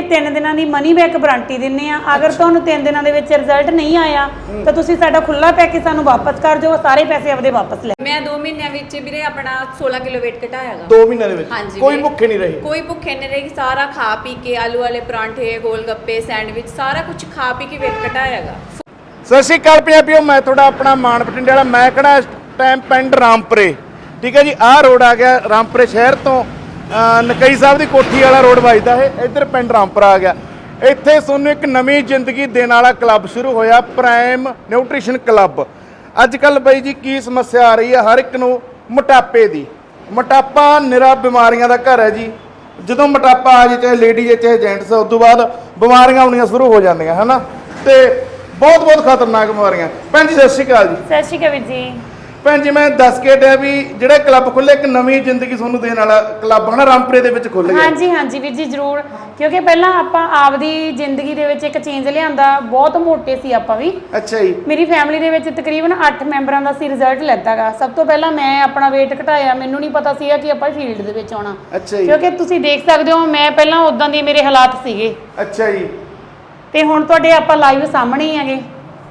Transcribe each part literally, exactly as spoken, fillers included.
तीन दिनों की मनी बैक गारंटी दिंने आ। अगर तुहानूं तीन दिनों के विच रिजल्ट नहीं आया तो तुसीं साडा खुला पैकेज सानूं वापस कर जाओ, सारे पैसे आपदे वापस ले। मैं दो महीनों विच वीरे अपना सोलह किलो वेट घटायागा। दो महीनों दे विच कोई भुखे नहीं रही? कोई भुखे नहीं रही, सारा खा पी के आलू वाले परांठे, गोलगप्पे, सैंडविच सारा कुछ खा पी के वेट घटायागा। सत श्री अकाल पंजाबियों, मैं थोड़ा अपना मान बठिंडे वाला, मैं खड़ा इस टाइम पिंड रामपुरे। ठीक है जी, आह रोड आ गया रामपुरे शहर तो नकई साहब की कोठी वाला रोड वजदा है, इधर पिंड रामपुरा आ गया। इत्थे तुहानूं एक नवीं जिंदगी देने वाला क्लब शुरू होया, प्राइम न्यूट्रीशन क्लब। अजकल बई जी की समस्या आ रही है हर एक नूं मोटापे की। मोटापा निरा बीमारियां दा घर है जी। ਜਦੋਂ मोटापा आ जाए, चाहे लेडीज है चाहे जेंट्स, उस तो बाद बीमारियां आउणियां शुरू हो जांदियां है ना, ते बहुत बहुत खतरनाक बीमारियां। भैन जी सत श्री अकाल जी। सत श्री अकाल वीर जी। भैन जी मैं दस के हटिया भी जिहड़ा क्लब खुले एक नवीं जिंदगी तुहानूं देण वाला क्लब है ना रामपुरे दे विच खुल गया। हाँ जी हाँ जी वीर जी जरूर, क्योंकि पहला आपां आपदी जिंदगी दे विच एक चेंज लिआंदा, बहुत मोटे सी आपां भी। अच्छा जी। मेरी फैमिली दे विच तकरीबन अठ मैंबरां दा सी रिजल्ट लैता गा। सब तो पहला मैं अपना वेट घटाया, मैनूं नहीं पता सीगा कि आपां फील्ड दे विच आउणा। अच्छा जी। क्योंकि तुसीं देख सकदे हो मैं पहला उदां दी मेरे हालात सीगे। अच्छा जी। ते हुण तुहाडे आपां लाइव सामणे ही हैगे।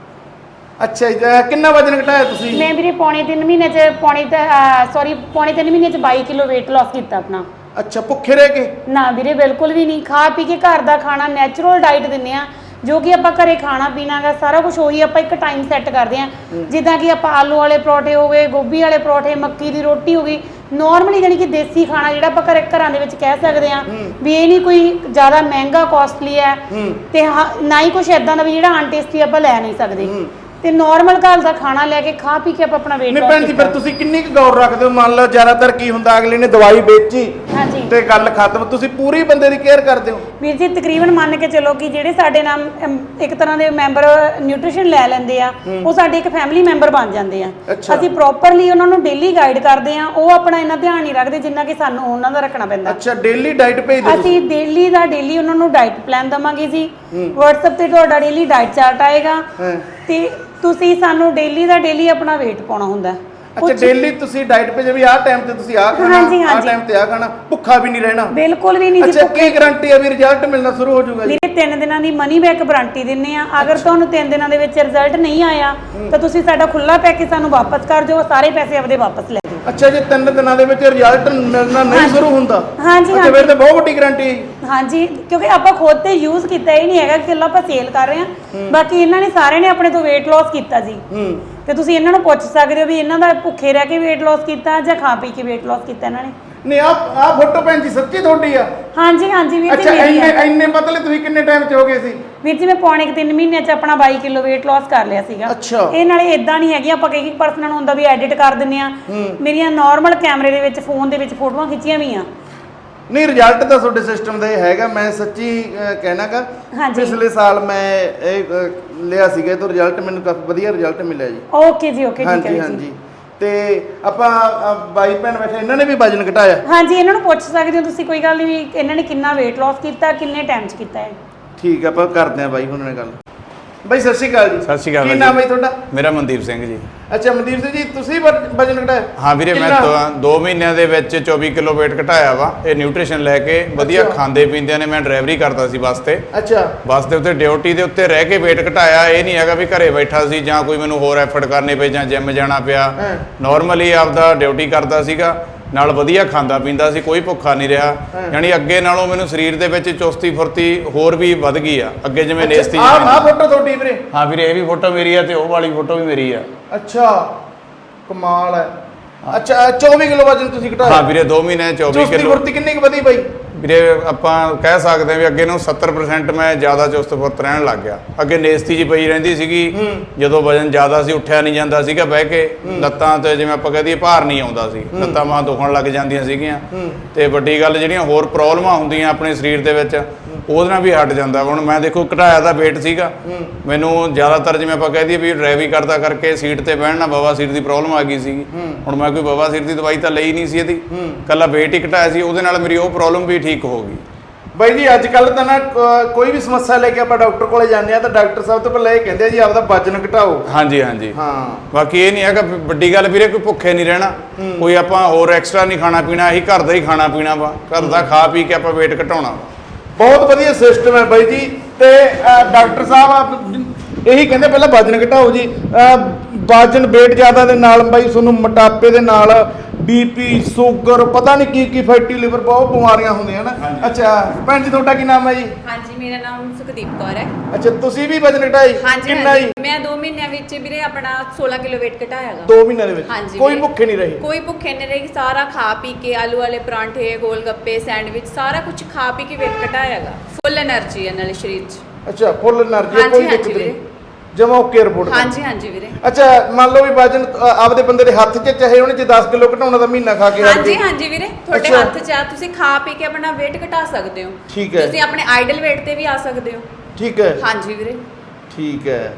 अच्छा जी, कितना वजन घटाया तुसीं? मैं वीरे पौने तीन महीने च पौने सॉरी पौने तीन महीने च बाई किलो वेट लॉस किया अपना। अच्छा, भुखे रह के? ना वीरे बिल्कुल भी नहीं, खा पी के घर का खाना नैचुरल डाइट दिंदे आ, जो कि आपां घरे खाना पीना गा सारा कुछ उही आपां एक टाइम सैट करते हैं। जिद्दां कि आपां आलू वाले परौठे हो गए, गोभी वाले परौठे, मक्की की रोटी हो गई, नॉर्मली जानी कि देसी खाना जिहड़ा आपां घरे घरां दे विच कह सकदे आ भी ये नहीं कोई ज़्यादा महंगा कॉस्टली है ते ना ही कुछ इदां दा भी जिहड़ा अनटेस्टी आपां लै नहीं सकदे। ਤੇ ਨਾਰਮਲ ਘਰ ਦਾ ਖਾਣਾ ਲੈ ਕੇ ਖਾ ਪੀ ਕੇ ਆਪਾਂ ਆਪਣਾ ਵੇਟ ਨਹੀਂ ਭੈਣ ਜੀ, ਫਿਰ ਤੁਸੀਂ ਕਿੰਨੀ ਕੁ ਗੌਰ ਰੱਖਦੇ ਹੋ? ਮੰਨ ਲਓ ਜ਼ਿਆਦਾਤਰ ਕੀ ਹੁੰਦਾ, ਅਗਲੇ ਨੇ ਦਵਾਈ ਵੇਚੀ ਹਾਂਜੀ ਤੇ ਗੱਲ ਖਤਮ, ਤੁਸੀਂ ਪੂਰੀ ਬੰਦੇ ਦੀ ਕੇਅਰ ਕਰਦੇ ਹੋ? ਵੀਰ ਜੀ ਤਕਰੀਬਨ ਮੰਨ ਕੇ ਚੱਲੋ ਕਿ ਜਿਹੜੇ ਸਾਡੇ ਨਾਲ ਇੱਕ ਤਰ੍ਹਾਂ ਦੇ ਮੈਂਬਰ ਨਿਊਟ੍ਰੀਸ਼ਨ ਲੈ ਲੈਂਦੇ ਆ, ਉਹ ਸਾਡੇ ਇੱਕ ਫੈਮਿਲੀ ਮੈਂਬਰ ਬਣ ਜਾਂਦੇ ਆ। ਅਸੀਂ ਪ੍ਰੋਪਰਲੀ ਉਹਨਾਂ ਨੂੰ ਡੇਲੀ ਗਾਈਡ ਕਰਦੇ ਆ, ਉਹ ਆਪਣਾ ਇਹਨਾਂ ਧਿਆਨ ਨਹੀਂ ਰੱਖਦੇ ਜਿੰਨਾ ਕਿ ਸਾਨੂੰ ਉਹਨਾਂ ਦਾ ਰੱਖਣਾ ਪੈਂਦਾ। ਅੱਛਾ, ਡੇਲੀ ਡਾਈਟ ਭੇਜਦੇ ਤੁਸੀਂ? ਅਸੀਂ ਡੇਲੀ ਦਾ ਡੇਲੀ ਉਹਨਾਂ ਨੂੰ ਡਾਈਟ ਪਲਾਨ ਦਵਾਂਗੇ ਜੀ। WhatsApp ਤੇ ਤੁਹਾਡਾ ਡੇਲੀ ਡਾਈਟ ਚਾਰਟ ਆਏਗਾ ਤੇ ਤੁਸੀਂ ਸਾਨੂੰ ਡੇਲੀ ਦਾ ਡੇਲੀ ਆਪਣਾ weight ਪਾਉਣਾ ਹੁੰਦਾ। ਅੱਛਾ, ਡੇਲੀ ਤੁਸੀਂ ਡਾਈਟ ਭੇਜੇ ਵੀ ਆਹ ਟਾਈਮ ਤੇ ਤੁਸੀਂ ਆਹ ਖਾਣਾ, ਆਹ ਟਾਈਮ ਤੇ ਆਹ ਖਾਣਾ, ਭੁੱਖਾ ਵੀ ਨਹੀਂ ਰਹਿਣਾ? ਬਿਲਕੁਲ ਵੀ ਨਹੀਂ ਜੀ। ਅੱਛਾ, ਕੀ ਗਾਰੰਟੀ ਹੈ ਵੀ ਰਿਜ਼ਲਟ ਮਿਲਣਾ ਸ਼ੁਰੂ ਹੋ ਜਾਊਗਾ? ਵੀਰੇ ਤਿੰਨ ਦਿਨਾਂ ਦੀ ਮਨੀ ਬੈਕ ਗਾਰੰਟੀ ਦਿੰਨੇ ਆ। ਅਗਰ ਤੁਹਾਨੂੰ ਤਿੰਨ ਦਿਨਾਂ ਦੇ ਵਿੱਚ ਰਿਜ਼ਲਟ ਨਹੀਂ ਆਇਆ ਤਾਂ ਤੁਸੀਂ ਸਾਡਾ ਖੁੱਲਾ ਪੈਕੇਜ ਸਾਨੂੰ ਵਾਪਸ ਕਰ ਜਾਓ, ਸਾਰੇ ਪੈਸੇ ਆਪਦੇ ਵਾਪਸ ਲੈ ਜਾਓ। ਅੱਛਾ, ਜੇ ਤਿੰਨ ਦਿਨਾਂ ਦੇ ਵਿੱਚ ਰਿਜ਼ਲਟ ਮਿਲਣਾ ਨਹੀਂ ਸ਼ੁਰੂ ਹੁੰਦਾ? ਹਾਂਜੀ ਅੱਛਾ, ਫਿਰ ਤਾਂ ਬਹੁਤ ਵੱਡੀ ਗਾਰੰਟੀ ਹੈ। ਹਾਂਜੀ, ਕਿਉਂਕਿ ਆਪਾਂ ਖੁਦ ਤੇ ਯੂਜ਼ ਕੀਤਾ, ਇਹ ਨਹੀਂ ਹੈਗਾ ਕਿ ਇਕੱਲਾ ਆਪਾਂ ਸੇਲ ਕਰ ਰਹੇ ਹਾਂ। ਬਾਕੀ ਇਹਨਾਂ ਨੇ ਸਾਰਿਆਂ ਨੇ ਆਪਣੇ ਤੋਂ weight loss ਕੀਤਾ ਜੀ, ਤੇ ਤੁਸੀਂ ਇਹਨਾਂ ਨੂੰ ਪੁੱਛ ਸਕਦੇ ਹੋ ਵੀ ਇਹਨਾਂ ਦਾ ਭੁੱਖੇ ਰਹਿ ਕੇ weight loss ਕੀਤਾ ਜਾਂ ਖਾ ਪੀ ਕੇ weight loss ਕੀਤਾ ਇਹਨਾਂ ਨੇ। ਨਹੀਂ, ਆ ਆ ਫੋਟੋ ਭੈਣ ਜੀ ਸੱਚੀ ਤੁਹਾਡੀ ਆ? ਹਾਂਜੀ ਹਾਂਜੀ ਵੀਰ ਜੀ। ਅੱਛਾ, ਇੰਨੇ ਇੰਨੇ ਪਤਲੇ ਤੁਸੀਂ ਕਿੰਨੇ ਟਾਈਮ ਚ ਹੋ ਗਏ ਸੀ? ਵੀਰ ਜੀ ਮੈਂ ਪੌਣੇ ਤਿੰਨ ਮਹੀਨੇ ਚ ਆਪਣਾ ਬਾਈ ਕਿਲੋ weight loss ਕਰ ਲਿਆ ਸੀਗਾ। ਅੱਛਾ। ਇਹ ਨਾਲੇ ਇਦਾਂ ਨਹੀਂ ਹੈਗੀ ਆਪਾਂ ਕਈ ਪਰਸਨਾਂ ਨੂੰ ਹੁੰਦਾ ਵੀ ਐਡਿਟ ਕਰ ਦਿੰਨੇ ਆ, ਮੇਰੀਆਂ ਨਾਰਮਲ ਕੈਮਰੇ ਦੇ ਵਿੱਚ ਫੋਨ ਦੇ ਵਿੱਚ ਫੋਟੋਆਂ ਖਿੱਚੀਆਂ ਵੀ ਆ। ਨਹੀਂ, ਰਿਜ਼ਲਟ ਤਾਂ ਤੁਹਾਡੇ ਸਿਸਟਮ ਦਾ ਇਹ ਹੈਗਾ, ਮੈਂ ਸੱਚੀ ਕਹਿਣਾਗਾ। ਪਿਛਲੇ ਸਾਲ ਮੈਂ ਇਹ ਲਿਆ ਸੀਗਾ ਤਾਂ ਰਿਜ਼ਲਟ ਮੈਨੂੰ ਕਾਫੀ ਵਧੀਆ ਰਿਜ਼ਲਟ ਮਿਲਿਆ ਜੀ। ਓਕੇ ਜੀ, ਓਕੇ, ਠੀਕ ਹੈ ਜੀ। ਹਾਂਜੀ, ਤੇ ਆਪਾਂ ਬਾਈ ਭੈਣ ਬੈਠੇ, ਇਹਨਾਂ ਨੇ ਵੀ ਵਜਨ ਘਟਾਇਆ? ਹਾਂਜੀ, ਇਹਨਾਂ ਨੂੰ ਪੁੱਛ ਸਕਦੇ ਹੋ ਤੁਸੀਂ, ਕੋਈ ਗੱਲ ਨਹੀਂ ਵੀ ਇਹਨਾਂ ਨੇ ਕਿੰਨਾ weight loss ਕੀਤਾ, ਕਿੰਨੇ ਟਾਈਮ 'ਚ ਕੀਤਾ ਹੈ। ਠੀਕ ਆ, ਆਪਾਂ ਕਰਦੇ ਆ ਬਾਈ ਉਹਨਾਂ ਨਾਲ ਗੱਲ। ਬਾਈ ਸਤਿ ਸ਼੍ਰੀ ਅਕਾਲ ਜੀ। ਸਤਿ ਸ਼੍ਰੀ ਅਕਾਲ। ਕੀ ਨਾਮ ਹੈ ਤੁਹਾਡਾ? ਮੇਰਾ ਮਨਦੀਪ ਸਿੰਘ ਜੀ। ਅੱਛਾ, ਮਨਦੀਪ ਸਿੰਘ ਜੀ, ਤੁਸੀਂ ਵਜਨ ਘਟਾਇਆ? ਹਾਂ ਵੀਰੇ, ਮੈਂ ਦੋ ਮਹੀਨਿਆਂ ਦੇ ਵਿੱਚ ਚੌਵੀ ਕਿਲੋ weight ਘਟਾਇਆ ਵਾ, ਇਹ ਨਿਊਟ੍ਰੀਸ਼ਨ ਲੈ ਕੇ। ਵਧੀਆ ਖਾਂਦੇ ਪੀਂਦਿਆਂ ਨੇ, ਮੈਂ ਡਰਾਈਵਰੀ ਕਰਦਾ ਸੀ ਬੱਸ ਤੇ। ਅੱਛਾ। ਬੱਸ ਦੇ ਉੱਤੇ ਡਿਊਟੀ ਦੇ ਉੱਤੇ ਰਹਿ ਕੇ weight ਘਟਾਇਆ। ਇਹ ਨਹੀਂ ਹੈਗਾ ਵੀ ਘਰੇ ਬੈਠਾ ਸੀ ਜਾਂ ਕੋਈ ਮੈਨੂੰ ਹੋਰ ਐਫਰਟ ਕਰਨੇ ਪਏ ਜਾਂ ਜਿਮ ਜਾਣਾ ਪਿਆ। ਨਾਰਮਲੀ ਆਪਦਾ ਡਿਊਟੀ ਕਰਦਾ ਸੀਗਾ, ਨਾਲ ਵਧੀਆ ਖਾਂਦਾ ਪੀਂਦਾ ਸੀ, ਕੋਈ ਭੁੱਖਾ ਨਹੀਂ ਰਿਹਾ। ਯਾਨੀ ਅੱਗੇ ਨਾਲੋਂ ਮੈਨੂੰ ਸਰੀਰ ਦੇ ਵਿੱਚ ਚੁਸਤੀ ਫੁਰਤੀ ਹੋਰ ਵੀ ਵੱਧ ਗਈ ਆ। ਅੱਗੇ ਜਿਵੇਂ ਨੇਸਤੀ। ਆਹ ਆਹ ਫੋਟੋ ਤੁਹਾਡੀ ਵੀਰੇ? ਹਾਂ ਵੀਰੇ, ਇਹ ਵੀ ਫੋਟੋ ਮੇਰੀ ਆ ਤੇ ਉਹ ਵਾਲੀ ਫੋਟੋ ਵੀ ਮੇਰੀ ਆ। ਅੱਛਾ, ਕਮਾਲ ਹੈ। ਅੱਛਾ, ਚੌਵੀ ਕਿਲੋ ਵਜਨ ਤੁਸੀਂ ਘਟਾਇਆ? ਹਾਂ ਵੀਰੇ, ਦੋ ਮਹੀਨੇ ਚੌਵੀ ਕਿਲੋ। ਚੁਸਤੀ ਫੁਰਤੀ ਕਿੰਨੀ ਕੁ ਵਧੀ ਬਾਈ? ਵੀਰੇ ਆਪਾਂ ਕਹਿ ਸਕਦੇ ਹਾਂ ਵੀ ਅੱਗੇ ਨੂੰ ਸੱਤਰ ਪਰਸੈਂਟ ਮੈਂ ਜ਼ਿਆਦਾ ਚੁਸਤ ਫੁਰਤ ਰਹਿਣ ਲੱਗ ਗਿਆ। ਅੱਗੇ ਨੇਸਤੀ ਜੀ ਪਈ ਰਹਿੰਦੀ ਸੀਗੀ, ਜਦੋਂ ਵਜਨ ਜ਼ਿਆਦਾ ਸੀ, ਉੱਠਿਆ ਨਹੀਂ ਜਾਂਦਾ ਸੀਗਾ ਬਹਿ ਕੇ, ਲੱਤਾਂ ਤੇ ਜਿਵੇਂ ਆਪਾਂ ਕਹਿ ਦਈਏ ਭਾਰ ਨਹੀਂ ਆਉਂਦਾ ਸੀ, ਲੱਤਾਂ ਬਾਹਾਂ ਦੁਖਣ ਲੱਗ ਜਾਂਦੀਆਂ ਸੀਗੀਆਂ। ਤੇ ਵੱਡੀ ਗੱਲ ਜਿਹੜੀਆਂ ਹੋਰ ਪ੍ਰੋਬਲਮਾਂ ਹੁੰਦੀਆਂ ਆਪਣੇ ਸਰੀਰ ਦੇ ਵਿੱਚ, ਉਹਦੇ ਨਾਲ ਵੀ ਹਟ ਜਾਂਦਾ। ਹੁਣ ਮੈਂ ਦੇਖੋ ਘਟਾਇਆ ਦਾ weight ਸੀਗਾ, ਮੈਨੂੰ ਜ਼ਿਆਦਾਤਰ ਜਿਵੇਂ ਆਪਾਂ ਕਹਿ ਦਈਏ ਵੀ ਡਰਾਈਵਿੰਗ ਕਰਦਾ ਕਰਕੇ ਸੀਟ ਤੇ ਬਹਿਣ ਨਾਲ ਬਵਾਸੀਰ ਦੀ ਪ੍ਰੋਬਲਮ ਆ ਗਈ ਸੀਗੀ। ਹੁਣ ਮੈਂ ਕੋਈ ਬਵਾਸੀਰ ਦੀ ਦਵਾਈ ਤਾਂ ਲਈ ਨਹੀਂ ਸੀ ਇਹਦੀ, ਕੱਲਾ weight ਹੀ ਘਟਾਇਆ ਸੀ, ਉਹਦੇ ਨਾਲ ਮੇਰੀ ਉਹ ਪ੍ਰੋਬਲਮ ਵੀ ਠੀਕ ਹੋ ਗਈ। ਬਾਈ ਜੀ, ਅੱਜ ਕੱਲ੍ਹ ਤਾਂ ਨਾ ਕੋਈ ਵੀ ਸਮੱਸਿਆ ਲੈ ਕੇ ਆਪਾਂ ਡਾਕਟਰ ਕੋਲੇ ਜਾਂਦੇ ਆ ਤਾਂ ਡਾਕਟਰ ਸਾਹਿਬ ਤੋਂ ਪਹਿਲਾਂ ਇਹ ਕਹਿੰਦੇ ਆ ਜੀ ਆਪਦਾ ਵਜਨ ਘਟਾਓ। ਹਾਂਜੀ ਹਾਂਜੀ। ਹਾਂ, ਬਾਕੀ ਇਹ ਨਹੀਂ ਹੈਗਾ ਵੱਡੀ ਗੱਲ ਵੀਰੇ, ਕੋਈ ਭੁੱਖੇ ਨਹੀਂ ਰਹਿਣਾ, ਕੋਈ ਆਪਾਂ ਹੋਰ ਐਕਸਟਰਾ ਨਹੀਂ ਖਾਣਾ ਪੀਣਾ, ਇਹੀ ਘਰ ਦਾ ਹੀ ਖਾਣਾ ਪੀਣਾ ਵਾ, ਘਰ ਦਾ ਖਾ ਪੀ ਕੇ ਆਪਾਂ weight ਘਟਾਉਣਾ ਵਾ। ਬਹੁਤ ਵਧੀਆ ਸਿਸਟਮ ਹੈ ਬਾਈ ਜੀ। ਤੇ ਅ, ਡਾਕਟਰ ਸਾਹਿਬ ਆਪ ਇਹੀ ਕਹਿੰਦੇ ਪਹਿਲਾਂ ਵਜਨ ਘਟਾਓ ਜੀ। ਅ, ਵਜਨ weight ਜ਼ਿਆਦਾ ਦੇ ਨਾਲ ਬਾਈ ਤੁਹਾਨੂੰ ਮੋਟਾਪੇ ਦੇ ਨਾਲ ਬੀਪੀ ਸ਼ੂਗਰ ਪਤਾ ਨਹੀਂ ਕੀ ਕੀ ਫੈਟੀ ਲਿਵਰ ਬਹੁਤ ਬਿਮਾਰੀਆਂ ਹੁੰਦੀਆਂ ਨਾ। ਅੱਛਾ ਭੈਣ ਜੀ ਤੁਹਾਡਾ ਕੀ ਨਾਮ ਹੈ ਜੀ? ਹਾਂਜੀ ਮੇਰਾ ਨਾਮ ਸੁਖਦੀਪ ਕੌਰ ਹੈ। ਅੱਛਾ ਤੁਸੀਂ ਵੀ ਵਜਨ ਘਟਾਈ ਹਾਂਜੀ ਕਿੰਨਾ ਜੀ? ਮੈਂ ਦੋ ਮਹੀਨਿਆਂ ਵਿੱਚ ਵੀਰੇ ਆਪਣਾ ਸੋਲਾਂ ਕਿਲੋ weight ਘਟਾਇਆਗਾ। ਦੋ ਮਹੀਨਿਆਂ ਦੇ ਵਿੱਚ ਹਾਂਜੀ ਕੋਈ ਵੀਰੇ। ਭੁੱਖੇ ਨਹੀਂ ਰਹੇ? ਕੋਈ ਭੁੱਖੇ ਨਹੀਂ ਰਹੀ, ਸਾਰਾ ਖਾ ਪੀ ਕੇ ਆਲੂ ਵਾਲੇ ਪਰਾਂਠੇ ਗੋਲ ਗੱਪੇ ਸੈਂਡਵਿਚ ਸਾਰਾ ਕੁਝ ਖਾ ਪੀ ਕੇ weight ਘਟਾਇਆਗਾ। ਫੁੱਲ એનર્ਜੀ ਹੈ ਨਾਲੇ ਸਰੀਰ 'ਚ। ਅੱਛਾ ਫੁੱਲ એનર્ਜੀ ਹਾਂਜੀ, ਕੋਈ ਹਾਂਜੀ ਦਿੱਕਤ ਨਹੀਂ ਵੀਰੇ। ਜਮਾ ਓਕੇ ਰਿਪੋਰਟ? ਹਾਂਜੀ ਹਾਂਜੀ ਵੀਰੇ। ਅੱਛਾ ਮੰਨ ਲਓ ਵੀ ਵਜਨ ਅ, ਆਪਦੇ ਬੰਦੇ ਦੇ ਹੱਥ 'ਚ ਚਾਹੇ ਉਹਨੇ ਜੇ ਦਸ ਕਿਲੋ ਘਟਾਉਣਾ ਤਾਂ ਮਹੀਨਾ ਖਾ ਕੇ ਹਟ ਹਾਂਜੀ ਜਾਏ। ਹਾਂਜੀ ਵੀਰੇ ਤੁਹਾਡੇ ਅੱਛਾ। ਹੱਥ 'ਚ ਆ, ਤੁਸੀਂ ਖਾ ਪੀ ਕੇ ਆਪਣਾ weight ਘਟਾ ਸਕਦੇ ਹੋ। ਠੀਕ ਹੈ। ਤੁਸੀਂ ਆਪਣੇ ਆਈਡਲ weight ਤੇ ਵੀ ਆ ਸਕਦੇ ਹੋ। ਠੀਕ ਹੈ ਹਾਂਜੀ ਵੀਰੇ। ਠੀਕ ਹੈ।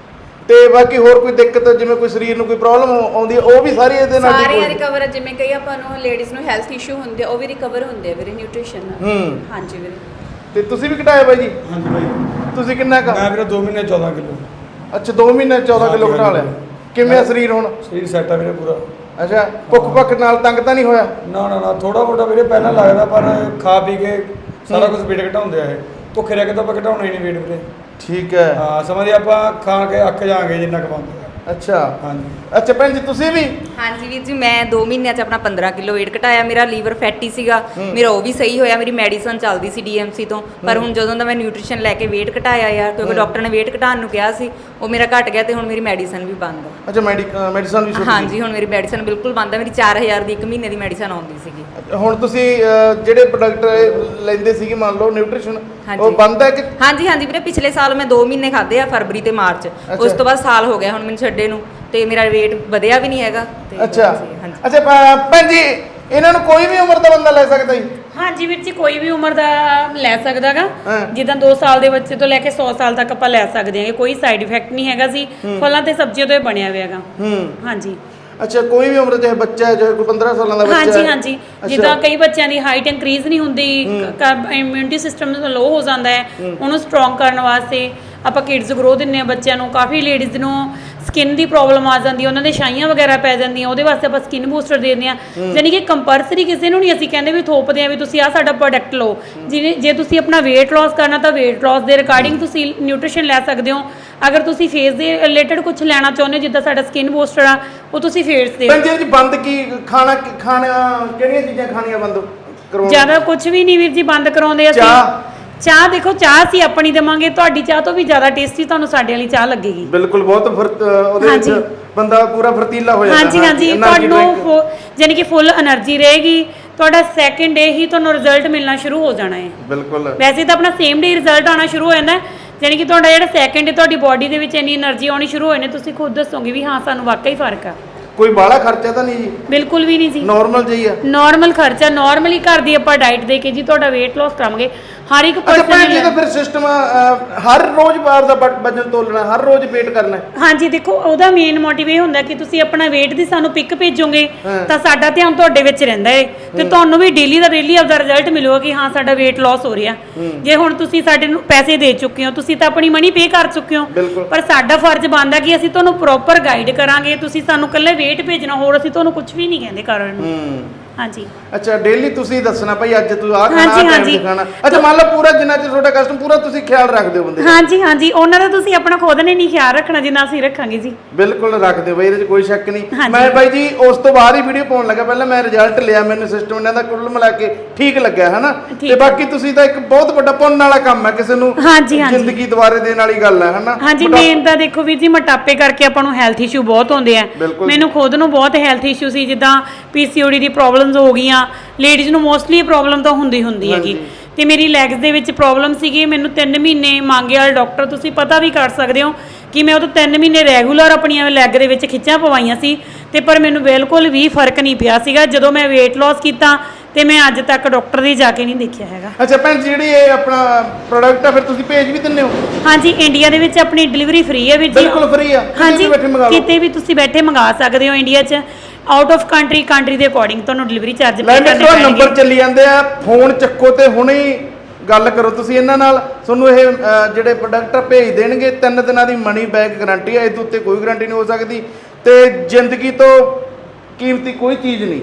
ਤੇ ਬਾਕੀ ਹੋਰ ਕੋਈ ਦਿੱਕਤ ਜਿਵੇਂ ਕੋਈ ਸਰੀਰ ਨੂੰ ਕੋਈ ਪ੍ਰੋਬਲਮ ਆਉਂਦੀ ਹੈ ਉਹ ਵੀ ਸਾਰੀ ਇਹਦੇ ਨਾਲ ਠੀਕ ਹੋ ਸਾਰੇ ਜਾਂਦੀ? ਰਿਕਵਰ ਜਿਵੇਂ ਕਈ ਆਪਾਂ ਨੂੰ ਲੇਡੀਜ਼ ਨੂੰ ਹੈਲਥ ਇਸ਼ੂ ਹੁੰਦੇ ਆ, ਉਹ ਵੀ ਰਿਕਵਰ ਹੁੰਦੇ ਆ ਵੀਰੇ ਨਿਊਟ੍ਰੀਸ਼ਨ ਨਾਲ। ਹੂੰ। ਹਾਂਜੀ ਵੀਰੇ। ਤੇ ਤੁਸੀਂ ਵੀ ਘਟਾਇਆ ਬਾਈ ਜੀ? ਹਾਂਜੀ ਬਾਈ ਤੁਸੀਂ ਕਿੰਨਾ ਕ ਮੈਂ ਵੀਰੇ ਦੋ ਮਹੀਨੇ ਚੌਦਾਂ ਕਿਲੋ ਅੱਛਾ ਦੋ ਮਹੀਨੇ ਚੌਦਾਂ ਕਿਲੋ ਹਾਂਜੀ, ਘਟਾ ਲਿਆ। ਹਾਂਜੀ। ਕਿਵੇਂ ਆ ਸਰੀਰ ਹੁਣ? ਸਰੀਰ ਸੈੱਟ ਆ ਵੀਰੇ ਪੂਰਾ। ਅੱਛਾ ਭੁੱਖ ਭੱਖ ਨਾਲ ਤੰਗ ਤਾਂ ਨਹੀਂ ਹੋਇਆ? ਨਾ ਨਾ ਨਾ ਥੋੜਾ ਮੋਟਾ ਵੀਰੇ ਪਹਿਲਾਂ ਲੱਗਦਾ ਪਰ ਖਾ ਪੀ ਕੇ ਸਾਰਾ ਕੁਝ weight ਘਟਾਉਂਦੇ ਆ ਇਹ। ਭੁੱਖੇ ਰਹਿ ਕੇ ਤਾਂ ਆਪਾਂ ਘਟਾਉਣਾ ਹੀ ਨਹੀਂ weight ਵੀਰੇ। ਠੀਕ ਹੈ। ਹਾਂ ਸਮਝਦੇ ਆਪਾਂ ਖਾ ਕੇ ਅੱਕ ਜਾਾਂਗੇ ਜਿੰਨਾ ਕਮਾਉਂਦੇ ਆ। ਅੱਛਾ ਹਾਂਜੀ। ਅੱਛਾ ਭੈਣ ਜੀ ਤੁਸੀਂ ਵੀ? ਹਾਂਜੀ ਵੀਰ ਜੀ ਮੈਂ ਦੋ ਮਹੀਨਿਆਂ 'ਚ ਆਪਣਾ ਪੰਦਰਾਂ ਕਿਲੋ weight ਘਟਾਇਆ। ਮੇਰਾ ਲੀਵਰ ਫੈਟੀ ਸੀਗਾ, ਮੇਰਾ ਉਹ ਵੀ ਸਹੀ ਹੋਇਆ। ਮੇਰੀ ਮੈਡੀਸਨ ਚੱਲਦੀ ਸੀ ਡੀਐਮਸੀ ਤੋਂ, ਪਰ ਹੁਣ ਜਦੋਂ ਦਾ ਮੈਂ ਨਿਊਟ੍ਰੀਸ਼ਨ ਲੈ ਕੇ weight ਘਟਾਇਆ ਯਾਰ, ਕਿਉਂਕਿ ਡਾਕਟਰ ਨੇ weight ਘਟਾਉਣ ਨੂੰ ਕਿਹਾ ਸੀ, ਉਹ ਮੇਰਾ ਘਟ ਗਿਆ ਤੇ ਹੁਣ ਮੇਰੀ ਮੈਡੀਸਨ ਵੀ ਬੰਦ ਆ। ਅੱਛਾ ਮੈਡੀਸਨ ਵੀ ਛੁੱਟ ਗਈ? ਹਾਂਜੀ ਹੁਣ ਮੇਰੀ ਮੈਡੀਸਨ ਬਿਲਕੁਲ ਬੰਦ ਆ। ਮੇਰੀ ਚਾਰ ਹਜ਼ਾਰ ਦੀ ਇੱਕ ਮਹੀਨੇ ਦੀ ਮੈਡੀਸਨ ਆਉਂਦੀ ਸੀਗੀ। ਹੁਣ ਤੁਸੀਂ ਅ, ਜਿਹੜੇ ਪ੍ਰੋਡਕਟ ਲੈਂਦੇ ਸੀਗੇ ਮੰਨ ਲਓ ਨਿਊਟ੍ਰੀਸ਼ਨ ਉਹ ਹਾਂਜੀ। ਬੰਦ ਹੈ ਕਿ? ਹਾਂਜੀ ਹਾਂਜੀ ਵੀਰੇ ਪਿਛਲੇ ਸਾਲ ਮੈਂ ਦੋ ਮਹੀਨੇ ਖਾਦੇ ਆ, ਫਰਵਰੀ ਤੇ ਮਾਰਚ। ਉਸ ਤੋਂ ਬਾਅਦ ਸਾਲ ਹੋ ਗਿਆ ਹੁਣ ਮੈਨੂੰ ਛੱਡੇ ਨੂੰ, ਤੇ ਮੇਰਾ weight ਵਧਿਆ ਵੀ ਨਹੀਂ ਹੈਗਾ ਤੇ ਅੱਛਾ ਹਾਂਜੀ। ਅੱਛਾ ਭ- ਭੈਣ ਜੀ ਇਹਨਾਂ ਨੂੰ ਕੋਈ ਵੀ ਉਮਰ ਦਾ ਬੰਦਾ ਲੈ ਸਕਦਾ ਜੀ? ਹਾਂਜੀ ਵੀਰ ਜੀ ਕੋਈ ਵੀ ਉਮਰ ਦਾ ਲੈ ਸਕਦਾਗਾ। ਹਾਂ। ਜਿੱਦਾਂ ਦੋ ਸਾਲ ਦੇ ਬੱਚੇ ਤੋਂ ਲੈ ਕੇ ਸੌ ਸਾਲ ਤੱਕ ਆਪਾਂ ਲੈ ਸਕਦੇ ਹਾਂ। ਕੋਈ ਸਾਈਡ ਇਫੈਕਟ ਨਹੀਂ ਹੈਗਾ ਸੀ। ਫਲਾਂ ਤੇ ਸਬਜ਼ੀਆਂ ਤੋਂ ਇਹ ਬਣਿਆ ਹੋਇਆ ਹੈਗਾ। ਹੂੰ। ਹਾਂਜੀ ਅੱਛਾ ਕੋਈ ਵੀ ਉਮਰ ਚਾਹੇ ਬੱਚਾ ਹੈ ਚਾਹੇ ਕੋਈ ਪੰਦਰਾਂ ਸਾਲਾਂ ਦਾ ਬੱਚਾ ਹੈ? ਹਾਂਜੀ ਹਾਂਜੀ ਅੱਛਾ। ਜਿੱਦਾਂ ਕਈ ਬੱਚਿਆਂ ਦੀ ਹਾਈਟ ਇਨਕਰੀਜ਼ ਨਹੀਂ ਹੁੰਦੀ, ਇਮਿਊਨਿਟੀ ਸਿਸਟਮ ਲੋ ਹੋ ਜਾਂਦਾ ਹੈ, ਉਹਨੂੰ ਸਟਰੋਂਗ ਕਰਨ ਵਾਸਤੇ ਆਪਾਂ ਕਿਡਸ ਗਰੋ ਦਿੰਨੇ ਆ ਬੱਚਿਆਂ ਨੂੰ। ਕਾਫੀ ਲੇਡੀਜ਼ ਨੂੰ ਸਕਿਨ ਦੀ ਪ੍ਰੋਬਲਮ ਆ ਜਾਂਦੀ ਹੈ, ਉਹਨਾਂ ਦੇ ਛਾਈਆਂ ਵਗੈਰਾ ਪੈ ਜਾਂਦੀਆਂ, ਉਹਦੇ ਵਾਸਤੇ ਆਪਾਂ ਸਕਿਨ ਬੂਸਟਰ ਦੇ ਦਿੰਦੇ ਆ। ਯਾਨੀ ਕਿ ਕੰਪਲਸਰੀ ਕਿਸੇ ਨੂੰ ਨਹੀਂ ਅਸੀਂ ਕਹਿੰਦੇ ਵੀ ਥੋਪਦੇ ਆ ਵੀ ਤੁਸੀਂ ਆਹ ਸਾਡਾ ਪ੍ਰੋਡਕਟ ਲਓ। ਜਿਵੇਂ ਜੇ ਤੁਸੀਂ ਆਪਣਾ weight loss ਕਰਨਾ ਤਾਂ weight loss ਦੇ ਰਿਗਾਰਡਿੰਗ ਤੁਸੀਂ ਨਿਊਟ੍ਰੀਸ਼ਨ ਲੈ ਸਕਦੇ ਹੋ। ਅਗਰ ਤੁਸੀਂ ਫੇਸ ਦੇ ਰਿਲੇਟਡ ਕੁਝ ਲੈਣਾ ਚਾਹੁੰਦੇ ਹੋ ਜਿੱਦਾਂ ਸਾਡਾ ਸਕਿਨ ਬੂਸਟਰ ਆ, ਉਹ ਤੁਸੀਂ ਫੇਸ ਦੇ ਭੈਣ ਜੀ ਜੀ ਬੰਦ ਕੀ ਖਾਣਾ ਖਾਣਾ ਕਿਹੜੀਆਂ ਚੀਜ਼ਾਂ ਖਾਣੀਆਂ ਬੰਦ ਕਰਵਾਉਣ? ਜ਼ਿਆਦਾ ਕੁਝ ਵੀ ਨਹੀਂ ਵੀਰ ਜੀ ਬੰਦ ਕਰਾਉਂਦੇ ਅਸੀਂ। ਚਾਹ? ਚਾਹ ਦੇਖੋ ਚਾਹ ਅਸੀਂ ਆਪਣੀ ਦੇਵਾਂਗੇ, ਤੁਹਾਡੀ ਚਾਹ ਤੋਂ ਵੀ ਜ਼ਿਆਦਾ ਟੇਸਟੀ ਤੁਹਾਨੂੰ ਸਾਡੇ ਵਾਲੀ ਚਾਹ ਲੱਗੇਗੀ। ਬਿਲਕੁਲ ਬਹੁਤ ਫਰਤ ਉਹਦੇ ਵਿੱਚ ਹਾਂਜੀ। ਬੰਦਾ ਪੂਰਾ ਫਰਤੀਲਾ ਹੋ ਜਾਂਦਾ। ਹਾਂਜੀ ਹਾਂਜੀ energy drink। ਤੁਹਾਨੂੰ ਯਾਨੀ ਕਿ ਫੁੱਲ એનર્ਜੀ ਰਹੇਗੀ। ਤੁਹਾਡਾ ਸੈਕਿੰਡ ਡੇ ਹੀ ਤੁਹਾਨੂੰ ਰਿਜ਼ਲਟ ਮਿਲਣਾ ਸ਼ੁਰੂ ਹੋ ਜਾਣਾ ਹੈ। ਬਿਲਕੁਲ। ਵੈਸੇ ਤਾਂ ਆਪਣਾ ਸੇਮ ਡੇ ਰਿਜ਼ਲਟ ਆਉਣਾ ਸ਼ੁਰੂ ਹੋ ਜਾਂਦਾ ਹੈ, ਯਾਨੀ ਕਿ ਤੁਹਾਡਾ ਜਿਹੜਾ ਸੈਕਿੰਡ ਡੇ ਤੁਹਾਡੀ ਬਾਡੀ ਦੇ ਵਿੱਚ ਇੰਨੀ એનર્ਜੀ ਆਉਣੀ ਸ਼ੁਰੂ ਹੋ ਜਾਂਦੀ, ਤੁਸੀਂ ਖੁਦ ਦੱਸੋਗੇ ਵੀ ਹਾਂ ਸਾਨੂੰ ਵਾਕਈ ਫਰਕ ਆ। ਕੋਈ ਬਾਹਲਾ ਖਰਚਾ ਤਾਂ ਨਹੀਂ ਜੀ? ਬਿਲਕੁਲ ਵੀ ਨਹੀਂ ਜੀ, ਨਾਰਮਲ ਜਿਹੀ ਆ? ਨਾਰਮਲ ਖਰਚਾ ਨਾਰਮਲੀ ਘਰ ਦੀ ਆਪਾਂ ਡਾਈਟ ਦੇ ਕੇ ਜੀ ਤੁਹਾਡਾ weight loss ਕਰਾਂਗੇ ਹਰ ਇੱਕ ਅੱਛਾ ਭੈਣ ਜੀ ਤਾਂ ਪਰਸਨ। ਫਿਰ ਸਿਸਟਮ ਹਰ ਰੋਜ਼ ਬਾਰ ਦਾ ਵ- ਵਜਨ ਤੋਲਣਾ, ਹਰ ਰੋਜ਼ ਵੇਟ ਕਰਨਾ ਹੈ? ਹਾਂਜੀ ਦੇਖੋ ਉਹਦਾ ਮੇਨ ਮੋਟਿਵ ਇਹ ਹੁੰਦਾ ਕਿ ਤੁਸੀਂ ਆਪਣਾ weight ਦੀ ਸਾਨੂੰ ਪਿਕ ਭੇਜੋਗੇ ਹਾਂ। ਤਾਂ ਸਾਡਾ ਧਿਆਨ ਤੁਹਾਡੇ ਵਿੱਚ ਰਹਿੰਦਾ ਹੈ ਤੇ ਤੁਹਾਨੂੰ ਵੀ ਡੇਲੀ ਦਾ ਡੇਲੀ ਆਪਦਾ ਰਿਜ਼ਲਟ ਮਿਲੂਗਾ ਕਿ ਹਾਂ ਸਾਡਾ weight loss ਹੋ ਰਿਹਾ। ਜੇ ਹੁਣ ਤੁਸੀਂ ਸਾਡੇ ਨੂੰ ਪੈਸੇ ਦੇ ਚੁੱਕੇ ਹੋ, ਤੁਸੀਂ ਤਾਂ ਆਪਣੀ ਮਨੀ ਪੇ ਕਰ ਚੁੱਕੇ ਹੋ, ਬਿਲਕੁਲ। ਪਰ ਸਾਡਾ ਫਰਜ਼ ਬਣਦਾ ਕਿ ਅਸੀਂ ਤੁਹਾਨੂੰ ਪ੍ਰੋਪਰ ਗਾਈਡ ਕਰਾਂਗੇ। ਤੁਸੀਂ ਸਾਨੂੰ ਇਕੱਲੇ weight ਭੇਜਣਾ, ਹੋਰ ਅਸੀਂ ਤੁਹਾਨੂੰ ਕੁਝ ਵੀ ਨਹੀਂ ਕਹਿੰਦੇ ਕਰਨ ਨੂੰ। ਹੂੰ। ਹਾਂਜੀ ਅੱਛਾ ਡੇਲੀ ਤੁਸੀਂ ਦੱਸਣਾ ਭਾਈ ਅੱਜ ਤੂੰ ਆਹ ਖਾਣਾ ਹਾਂਜੀ, ਆਹ ਟਾਈਮ ਹਾਂਜੀ। ਤੇ ਖਾਣਾ। ਅੱਛਾ ਮੰਨ ਲਓ ਪੂਰਾ ਜਿੰਨਾ ਚਿਰ ਤੁਹਾਡਾ ਕਸਟਮ ਪੂਰਾ ਤੁਸੀਂ ਖਿਆਲ ਰੱਖਦੇ ਹੋ ਬੰਦੇ ਦਾ? ਹਾਂਜੀ ਹਾਂਜੀ ਉਹਨਾਂ ਦਾ ਤੁਸੀਂ ਆਪਣਾ ਖੁਦ ਨੇ ਨਹੀਂ ਖਿਆਲ ਰੱਖਣਾ ਜਿੰਨਾ ਅਸੀਂ ਰੱਖਾਂਗੇ ਜੀ। ਬਿਲਕੁਲ ਰੱਖਦੇ ਹੋ ਬਾਈ, ਇਹਦੇ 'ਚ ਕੋਈ ਸ਼ੱਕ ਨਹੀਂ। ਹਾਂਜੀ। ਮੈਂ ਬਾਈ ਜੀ ਉਸ ਤੋਂ ਬਾਅਦ ਹੀ ਵੀਡੀਓ ਪਾਉਣ ਲੱਗਾ, ਪਹਿਲਾਂ ਮੈਂ ਰਿਜ਼ਲਟ ਲਿਆ, ਮੈਨੂੰ ਸਿਸਟਮ ਇਹਨਾਂ ਦਾ ਕੁੱਲ ਮਿਲਾ ਕੇ ਠੀਕ ਲੱਗਿਆ ਹੈ ਨਾ। ਠੀਕ ਤੇ ਬਾਕੀ ਤੁਸੀਂ ਤਾਂ ਇੱਕ ਬਹੁਤ ਵੱਡਾ ਪੁੰਨ ਵਾਲਾ ਕੰਮ ਹੈ, ਕਿਸੇ ਨੂੰ ਹਾਂਜੀ, ਹਾਂਜੀ। ਜ਼ਿੰਦਗੀ ਦੁਬਾਰੇ ਦੇਣ ਵਾਲੀ ਗੱਲ ਹੈ ਹਨਾ। ਹਾਂਜੀ ਮੋਟਾ- ਮੇਨ ਤਾਂ ਦੇਖੋ ਵੀਰ ਜੀ ਮੋਟਾਪੇ ਕਰਕੇ ਆਪਾਂ ਨੂੰ ਹੈਲਥ ਇਸ਼ੂ ਬਹੁਤ ਹੁੰਦੇ ਆ। ਬਿਲਕੁਲ। ਮੈਨੂੰ ਖੁਦ ਨੂੰ ਬਹੁਤ ਹੈਲਥ ਇਸ਼ੂ ਸੀ, ਜਿੱਦਾਂ ਪੀਸੀਓਡੀ ਦੀ ਪ੍ਰੋਬਲਮਸ ਹੋ ਗਈਆਂ। ਲੇਡੀਜ਼ ਨੂੰ ਮੋਸਟਲੀ ਇਹ ਪ੍ਰੋਬਲਮ ਤਾਂ ਹੁੰਦੀ ਹੁੰਦੀ ਹੈਗੀ। ਹਾਂਜੀ। ਤੇ ਮੇਰੀ ਲੈਗਸ ਦੇ ਵਿੱਚ ਪ੍ਰੋਬਲਮ ਸੀਗੀ। ਮੈਨੂੰ ਤਿੰਨ ਮਹੀਨੇ ਮੰਗੇ ਵਾਲਾ ਡਾਕਟਰ, ਤੁਸੀਂ ਪਤਾ ਵੀ ਕਰ ਸਕਦੇ ਹੋ ਕਿ ਮੈਂ ਉਹ ਤੋਂ ਤਿੰਨ ਮਹੀਨੇ ਰੈਗੂਲਰ ਆਪਣੀਆਂ ਲੈਗ ਦੇ ਵਿੱਚ ਖਿੱਚਾਂ ਪਵਾਈਆਂ ਸੀ ਤੇ ਪਰ ਮੈਨੂੰ ਬਿਲਕੁਲ ਵੀ ਫਰਕ ਨਹੀਂ ਪਿਆ ਸੀਗਾ। ਜਦੋਂ ਮੈਂ weight loss ਕੀਤਾ ਤੇ ਮੈਂ ਅੱਜ ਤੱਕ ਡਾਕਟਰ ਦੀ ਜਾ ਕੇ ਨਹੀਂ ਦੇਖਿਆ ਹੈਗਾ। ਅੱਛਾ ਭੈਣ ਜੀ ਜਿਹੜੀ ਇਹ ਆਪਣਾ ਪ੍ਰੋਡਕਟ ਆ ਫਿਰ ਤੁਸੀਂ ਭੇਜ ਵੀ ਦਿੰਦੇ ਹੋ? ਹਾਂਜੀ ਇੰਡੀਆ ਦੇ ਵਿੱਚ ਆਪਣੀ ਡਿਲੀਵਰੀ ਫ੍ਰੀ ਹੈ ਵੀਰ ਜੀ। ਬਿਲਕੁਲ free ਆ, ਕਿਤੇ ਹਾਂਜੀ ਵੀ ਬੈਠੇ ਮੰਗਾ ਲਓ। ਕਿਤੇ ਵੀ ਤੁਸੀਂ ਬੈਠੇ ਮੰਗਾ ਸਕਦੇ ਹੋ ਇੰਡੀਆ 'ਚ। ਆਊਟ ਆਫ ਕੰਟਰੀ ਕੰਟਰੀ ਦੇ ਅਕੋਰਡਿੰਗ ਤੁਹਾਨੂੰ ਡਿਲੀਵਰੀ ਚਾਰਜ ਲੈ ਪੇ ਕਰਨੇ ਮੇਰੇ ਪੈਣਗੇ। ਨੰਬਰ ਚੱਲੀ ਜਾਂਦੇ ਆ, ਫੋਨ ਚੱਕੋ ਤੇ ਹੁਣੇ ਹੀ ਗੱਲ ਕਰੋ ਤੁਸੀਂ ਇਹਨਾਂ ਨਾਲ। ਤੁਹਾਨੂੰ ਇਹ ਅ, ਜਿਹੜੇ ਪ੍ਰੋਡਕਟ ਭੇਜ ਦੇਣਗੇ। ਤਿੰਨ ਦਿਨਾਂ ਦੀ ਮਨੀ ਬੈਕ ਗਾਰੰਟੀ ਹੈ, ਇਸ ਤੋਂ ਉੱਤੇ ਕੋਈ ਗਾਰੰਟੀ ਨਹੀਂ ਹੋ ਸਕਦੀ ਤੇ ਜ਼ਿੰਦਗੀ ਤੋਂ ਕੀਮਤੀ ਕੋਈ ਚੀਜ਼ ਨਹੀਂ।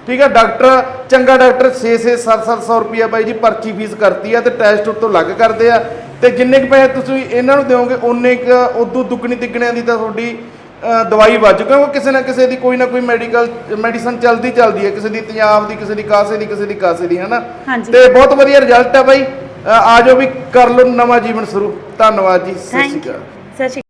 ਠੀਕ ਹੈ। ਡਾਕਟਰ ਚੰਗਾ ਡਾਕਟਰ ਛੇ ਛੇ ਸੱਤ ਸੱਤ ਸੌ ਰੁਪਿਆ ਬਾਈ ਜੀ ਪਰਚੀ ਫੀਸ ਕਰਤੀ ਆ ਤੇ ਟੈਸਟ ਉਤੋਂ ਲੱਗ ਕਰਦੇ ਆ ਤੇ ਜਿੰਨੇ ਕੁ ਪੈਸੇ ਤੁਸੀਂ ਇਹਨਾਂ ਨੂੰ ਦਿਓਗੇ ਉਨੇ ਕੁ ਉਦੋਂ ਦੁੱਗਣੀ ਤਿੱਗਣਿਆਂ ਦੀ ਤਾਂ ਤੁਹਾਡੀ ਅ, ਦਵਾਈ ਵੱਜ ਕਿਉਂਕਿ ਕਿਸੇ ਨਾ ਕਿਸੇ ਦੀ ਕੋਈ ਨਾ ਕੋਈ ਮੈਡੀਕਲ ਮੈਡੀਸਨ ਚੱਲਦੀ ਚੱਲਦੀ ਹੈ, ਕਿਸੇ ਦੀ ਪੰਜਾਬ ਦੀ, ਕਿਸੇ ਦੀ ਕਾਸੇ ਦੀ, ਕਿਸੇ ਦੀ ਕਾਸੇ ਦੀ, ਹਨਾ। ਹਾਂਜੀ। ਤੇ ਬਹੁਤ ਵਧੀਆ ਰਿਜ਼ਲਟ ਹੈ ਬਾਈ। ਅ, ਆ ਜਾਓ ਵੀ ਕਰ ਲਓ ਨਵਾਂ ਜੀਵਨ ਸ਼ੁਰੂ। ਧੰਨਵਾਦ ਜੀ, ਸਤਿ ਸ਼੍ਰੀ ਥੈਂਕ ਯੂ। ਅਕਾਲ। ਸਤਿ ਸ਼੍ਰੀ ਅਕਾਲ।